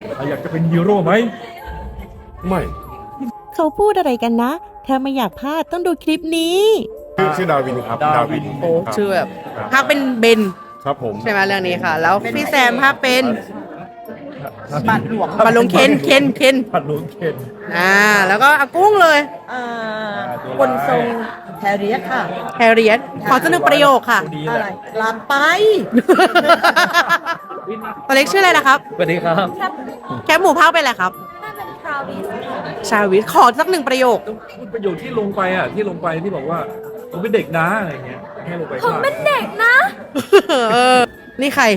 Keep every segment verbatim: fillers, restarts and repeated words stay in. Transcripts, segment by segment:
อยากจะเป็นฮีโร่ไหมไม่เขาพูดอะไรกันนะ ถ้าไม่อยากพลาดต้องดูคลิปนี้ชื่อชื่อดาวินครับดาวินโอ้ชื่อแบบภาคเป็นเบนครับผมใช่ไหมเรื่องนี้ค่ะ แล้วพี่แซมภาคเป็นบัตรหลวงบาลงเคนเคนเคนบัตรหลวงเคนอ่าแล้วก็อากุ้งเลยคนทรงแฮร์รี่ค่ะแฮร์เรียตขอสักหนึ่งประโยคค่ะดีอะแหไรละลามไปตัวเล็กชื่ออะไรนะครับสวัสดีครับแคปหมูภาคเป็นอะไรครับชาวิสขอสักหนึ่งประโยคพูดประโยคที่ลงไปอ่ะที่ลงไปที่บอกว่าผมเป็นเด็กนะอะไรเงี้ยให้ลงไปผมเป็นเด็กเออ นี่ใคร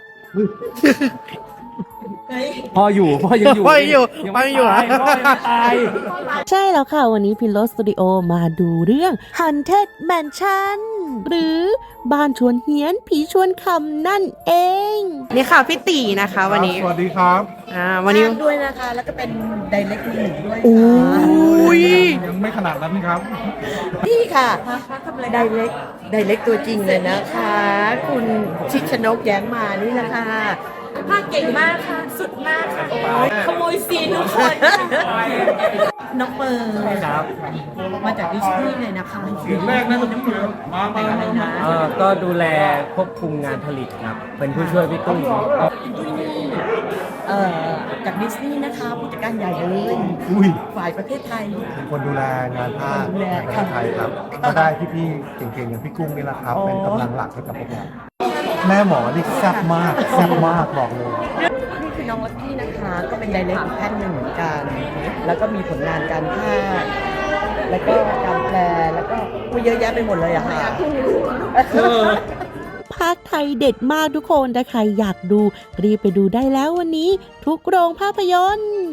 พ่ออยู่พ่อยังอยู่พ่อยังอยู่พ่อยังอยู่ตายพ่อยังไม่ตายใช่แล้วค่ะ วันนี้พิลโลสตูดิโอมาดูเรื่อง Haunted Mansion หรือบ้านชวนเฮียนผีชวนคำนั่นเองนี่ค่ะพี่ตีนะคะ วันนี้สวัสดีครับอ่าวันนี้ด้วยนะคะ แล้วก็เป็นไดเรกมือหนึ่งด้วยโอ้ค่ะยยังไม่ขนาดนั้นครับนี่ค่ะไดเรกไดเรกตัวจริงเลยนะคะ คุณชิดชนกแย้งมานี่นะคะภาคเก่งมากค่ะ สุดมากค่ะขโมยซีนทุกคนน้องเปิร์ครับมาจากดิสนีย์เลยนะคะถึงแรกนะน้องเปิร์มามาอะไรนะเอ่อก็ดูแลควบคุมงานผลิตครับ เป็นผู้ช่วยพี่ตุ้มเอ่อจากดิสนีย์นะคะผู้จัดการใหญ่เลยอุ้ยฝ่ายประเทศไทยเป็นคนดูแลงานภาคดูแลในประเทศไทยครับ ก็ได้พี่ๆเก่งๆอย่างพี่กุ้งนี่แหละครับ เป็นกำลังหลักให้กับพวกเราแม่หมอนี่แซ่บมากแซ่บมากบอกเลยนี่คือน้องลักกี้นะคะ ก็เป็นไดเรกอีกท่านหนึ่งเหมือนกัน แล้วก็มีผลงานการภาคแล้วก็การแปลแล้วก็อุ๊ยเยอะแยะไปหมดเลยอะค่ะภาคไทยเด็ดมากทุกคนถ้าใครอยากดู รีบไปดูได้แล้ววันนี้ ทุกโรงภาพยนตร์